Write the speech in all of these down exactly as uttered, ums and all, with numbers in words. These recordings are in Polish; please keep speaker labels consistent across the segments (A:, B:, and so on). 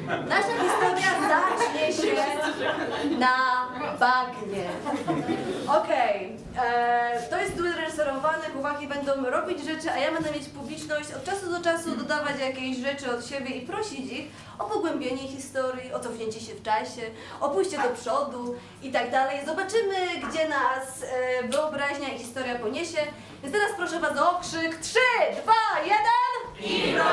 A: Nasza historia zacznie się na bagnie. Okej, okay. To jest duet reżyserowany, chłopaki będą robić rzeczy, a ja będę mieć publiczność od czasu do czasu dodawać jakieś rzeczy od siebie i prosić ich o pogłębienie historii, o cofnięcie się w czasie, o pójście do przodu i tak dalej. Zobaczymy, gdzie nas e, wyobraźnia i historia poniesie. Więc teraz proszę was o okrzyk trzy, dwa, jeden.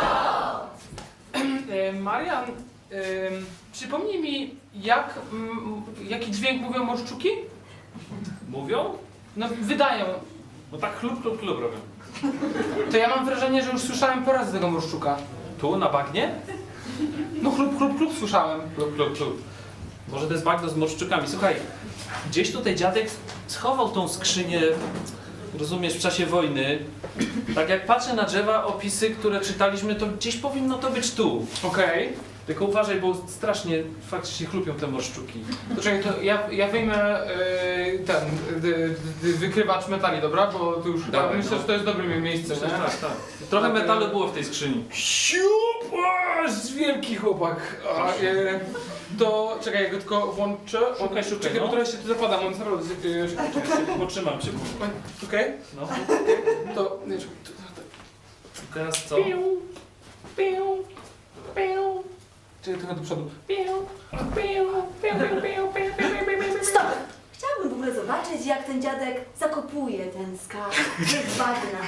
B: E, Marian, e, przypomnij mi, jak, m, jaki dźwięk mówią morszczuki?
C: Mówią?
B: No, wydają.
C: No tak chlub, chlub, chlub robią.
B: To ja mam wrażenie, że już słyszałem po raz tego morszczuka.
C: Tu, na bagnie?
B: No chlup, chlup, chlup słyszałem.
C: Chlub, chlub, chlub. Może to jest bagno z morszczukami. Słuchaj, gdzieś tutaj dziadek schował tą skrzynię, rozumiesz, w czasie wojny. Tak jak patrzę na drzewa, opisy, które czytaliśmy, to gdzieś powinno to być tu.
B: Okej.
C: Tylko uważaj, bo strasznie faktycznie chlupią te morszczuki.
B: To czekaj, to ja, ja wyjmę e, ten d, d, wykrywacz metali, dobra? Bo tu już chyba
C: Dawaj,
B: myślę,
C: no.
B: że to jest dobre miejsce,
C: Myślę,
B: nie?
C: że tak, tak. Trochę metalu było w tej skrzyni.
B: Siup! Aż wielki chłopak. A, e, to czekaj, ja go tylko włączę.
C: Szukaj, szukaj,
B: Czekaj, bo
C: no.
B: trochę się tu zapadam, on jest naprawdę... E,
C: Potrzymam cię.
B: Okej?
C: No.
B: To... Nie, czekaj, to, to,
C: Teraz co?
B: Piu, piu, piu. Czekaj, trochę do przodu. Piu, piu, piu, piu, piu, piu, piu, piu, piu.
A: Stop! Chciałabym w ogóle zobaczyć, jak ten dziadek zakopuje ten skarb z bagna.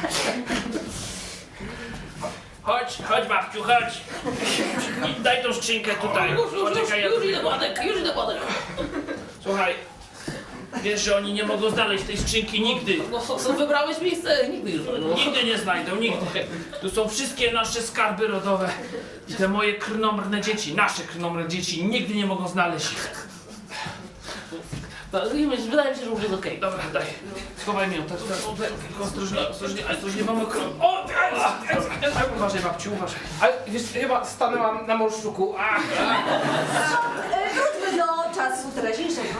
D: Chodź, chodź babciu, chodź. I daj tą skrzynkę tutaj. Poczekaj, ja
E: Już
D: tu-
E: idę Władek, już idę Władek.
D: Słuchaj, wiesz, że oni nie mogą znaleźć tej skrzynki nigdy.
E: No, co, wybrałeś miejsce? Nigdy już. No.
D: Nigdy nie znajdą, nigdy. Tu są wszystkie nasze skarby rodowe. I te moje krnomrne dzieci, nasze krnomrne dzieci nigdy nie mogą znaleźć ich.
E: No, wydaje mi się, że już jest okej.
D: Dobra, daj. Schowaj mnie. Tak, tak, tak, tylko ostrożnie, ostrożnie, ostrożnie, mamy krok. O! aj, aj, aj, aj, Uważaj babciu, uważaj.
B: Ale wiesz, chyba stanęłam na morszczuku. Ach,
A: E, Wróćmy do czasu teraźniejszego.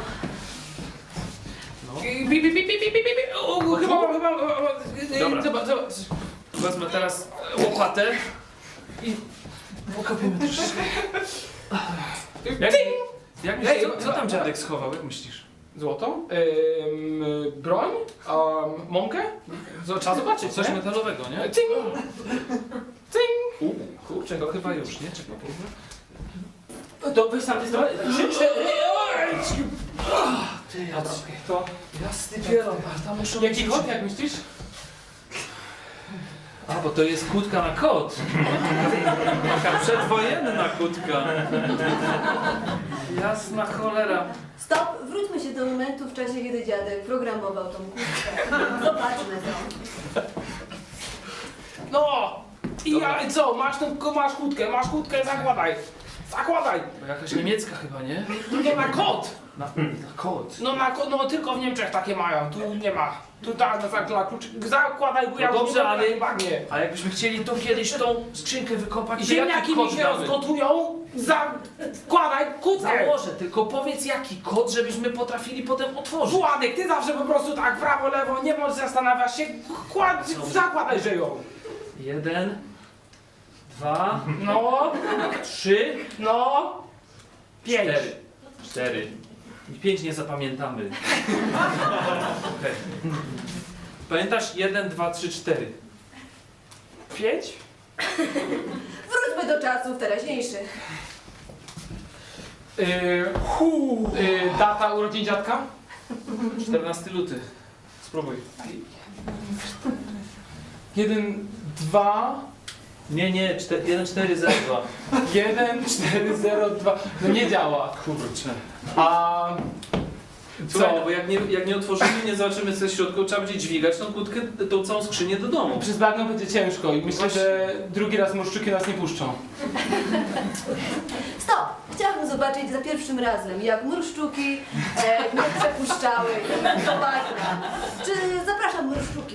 B: Pi, pi, pi, pi, pi, pi, pi. O, chyba, chyba, chyba, chyba,
C: Dobra.
B: zobacz, zobacz.
C: Wezmę teraz łopatę i pokopiemy troszeczkę. Jak, jak myślisz, co, co tam dziadek schował, jak myślisz?
B: Złoto, ym, broń, um, mąkę. Z- Trzeba zobaczyć,
C: Coś
B: nie?
C: metalowego, nie?
B: Cing! Cing!
C: U, kurczę, no chyba już, nie? Czekaj.
B: To weź sam, to trzy, cztery,
C: Ty, ja
B: to
C: jasny pieron, tam muszą
B: jaki kod, jak myślisz?
C: A, bo to jest kłódka na kot. Taka przedwojenna kłódka. Jasna cholera.
A: Stop! Wróćmy się do momentu w czasie, kiedy dziadek programował tą kłódkę. Zobaczmy to.
B: No! I ja, i co, masz tą, masz kłódkę, masz kłódkę, zakładaj. Zakładaj!
C: Bo jakaś niemiecka chyba, nie?
B: No na kot!
C: Na, na kot.
B: No, na, ko- no tylko w Niemczech takie mają, tu nie ma. Tu tak, na za kluczyk, zakładaj, bo ja
C: No
B: już
C: dobrze,
B: nie
C: ale-
B: ale... bagnie.
C: A jakbyśmy chcieli tu kiedyś tą skrzynkę wykopać,
B: I
C: to jaki
B: ziemniaki
C: kod
B: mi się
C: damy?
B: rozgotują, zakładaj kłódkę!
C: Założę, tylko powiedz jaki kod, żebyśmy potrafili potem otworzyć.
B: Władek, ty zawsze po prostu tak prawo, lewo, nie możesz zastanawiać się, kład, zakładaj, że ją.
C: Jeden, dwa,
B: No,
C: trzy,
B: no, pięć.
C: cztery. Cztery. I pięć nie zapamiętamy. Okej. Pamiętasz? Jeden, dwa, trzy, cztery.
B: Pięć?
A: Wróćmy do czasów teraźniejszych.
B: Yy, hu, yy, data urodzin dziadka?
C: czternasty luty. Spróbuj.
B: Jeden, dwa,
C: Nie, nie, cztery, jeden, cztery, zero, dwa.
B: jeden, cztery, zero, dwa. No nie działa.
C: Kurczę.
B: A
C: Słuchaj, no
B: co?
C: bo jak nie, jak nie otworzymy, nie zobaczymy co jest w środku, trzeba będzie dźwigać tą kłódkę, tą całą skrzynię do domu.
B: Przez bagno będzie ciężko i myślę, że drugi raz morszczyki nas nie puszczą.
A: Stop! Chciałabym zobaczyć za pierwszym razem, jak murszczuki e, nie przepuszczały do bagna. Czy zapraszam murszczuki?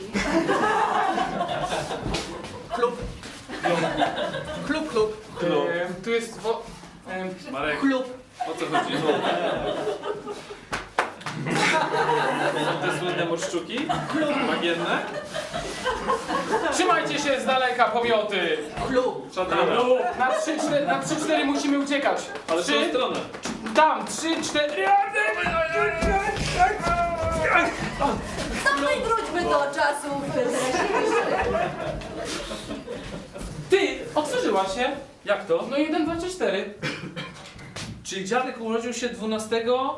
E: Klub. Klub, klub.
C: Klub.
B: Yy, tu jest... Wo, yy,
C: Marek,
E: Klub.
C: o co chodzi? Są te słynne morszczuki bagienne.
B: Trzymajcie się z daleka, pomioty!
C: Szatana.
B: Na trzy, cztery, na trzy, cztery musimy uciekać.
C: Ale w tą
B: Trzy,
C: stronę.
B: tam, trzy, cztery...
A: No i wróćmy do czasów teraźniejszych.
B: Ty, otworzyła się.
C: Jak to?
B: No jeden, dwa, trzy, cztery.
C: Czyli dziadek urodził się dwunastego...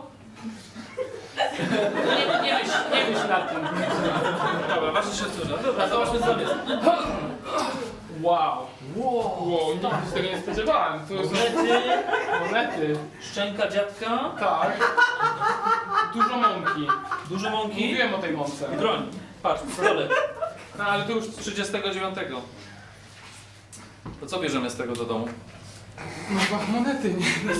B: Nie, nie myśl, nie myśl nad tym.
C: Dobra, ważne się cóża. Dobra, zobaczmy co tam jest.
B: Wow. Wow, nigdy się tego nie spodziewałem. To jest
C: Monety,
B: monety.
C: szczęka dziadka,
B: Tak. Dużo mąki.
C: dużo mąki
B: Mówiłem o tej mące.
C: i broń. Patrz, pistolet.
B: No ale to już...
C: Z trzydziestego dziewiątego. To co bierzemy z tego do domu?
B: No chyba monety, nie?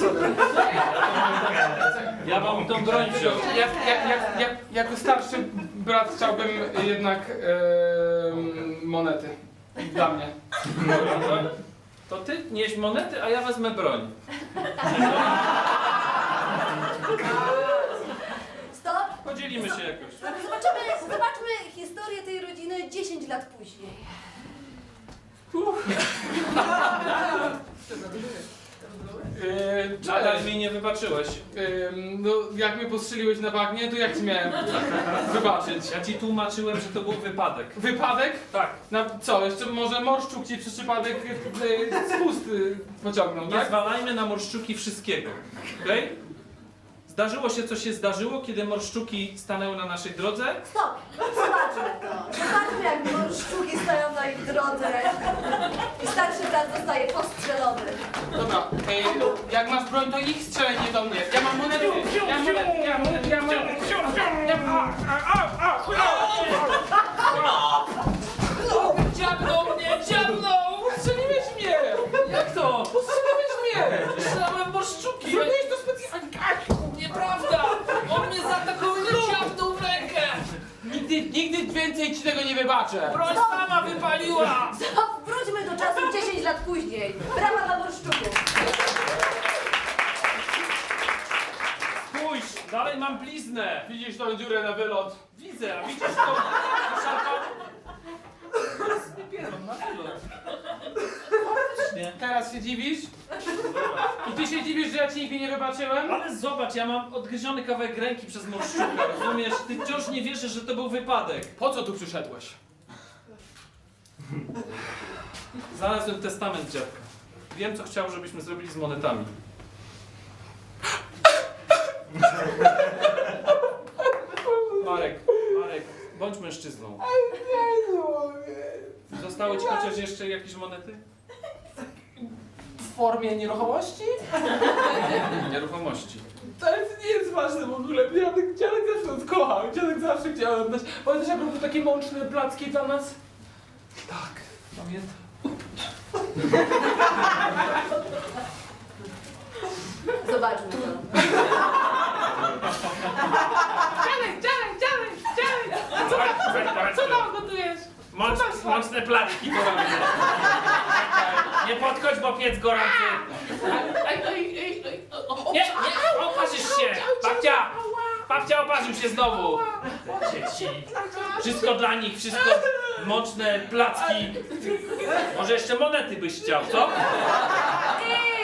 C: Ja mam tą broń wziął.
B: Jak, jak, jak, jak, jako starszy brat chciałbym jednak em, monety. Dla mnie.
C: Dobra, to, to ty nieś monety, a ja wezmę broń.
A: Stop.
C: Podzielimy się jakoś.
A: Zobaczymy, zobaczmy historię tej rodziny dziesięć lat później.
B: Yy,
C: Nadal
B: cześć.
C: mi nie wybaczyłeś.
B: Ym, no jak mnie postrzeliłeś na bagnie, to jak ci miałem wybaczyć?
C: Ja ci tłumaczyłem, że to był wypadek.
B: Wypadek?
C: Tak.
B: Na co? Jeszcze może morszczuk ci przez przypadek y, spust y, pociągnął,
C: Nie
B: tak?
C: zwalajmy na morszczuki wszystkiego. Okej? Zdarzyło się, co się zdarzyło, kiedy morszczuki stanęły na naszej drodze.
A: Stop. Zobaczmy to. Zobaczmy, jak sztuki stoją na ich drodze. I starszy brat zostaje postrzelony.
B: Dobra, y, jak masz broń, to ich strzelaj, nie do mnie. Ja mam monety, ja mam monety, ja mam monety, ja mam monety. Ja mam...
E: Dziabnął mnie, dziabnął!
B: Postrzeliłeś mnie!
E: Jak to?
B: Postrzeliłeś mnie!
E: Strzelałem morszczuki!
B: Zrobiłeś to specjalnie!
E: Nieprawda! On mnie zaatakował i dziabnął w rękę!
B: Nigdy, nigdy więcej ci tego nie wybaczę!
E: Broń sama wypaliła!
A: Stop. Wróćmy do czasów dziesięć lat później. Brawa dla morszczuków.
C: Spójrz, dalej mam bliznę.
B: Widzisz tą dziurę na wylot?
C: Widzę, a widzisz to? Szarpał? Na wylot. Faktycznie.
B: Teraz się dziwisz? I ty się dziwisz, że ja ci nigdy nie wybaczyłem?
C: Ale zobacz, ja mam odgryziony kawałek ręki przez morszczuka, rozumiesz? Ty wciąż nie wierzysz, że to był wypadek.
B: Po co tu przyszedłeś?
C: Znalazłem testament dziadka. Wiem, co chciał, żebyśmy zrobili z monetami. Marek, Marek, bądź mężczyzną. Zostały ci chociaż jeszcze jakieś monety?
B: W formie nieruchomości?
C: Nieruchomości.
B: To nie jest ważne w ogóle. Dziadek, dziadek zawsze nas kochał. Dziadek zawsze chciał nam dać. Pamiętasz, jak robił takie mączne placki dla nas?
C: Tak, pamiętam.
A: Zobaczmy to.
E: Dziadek, dziadek, dziadek, dziadek! Co tam gotujesz?
D: Moc, mocne placki to robię. Nie podchodź, bo piec gorący.
E: Ej, ej, ej, ej, o, o,
D: Nie, nie, oparzysz się. Babcia, babcia oparzył się znowu. Dzieci. Wszystko dla nich, wszystko mocne placki. Może jeszcze monety byś chciał, co?
A: I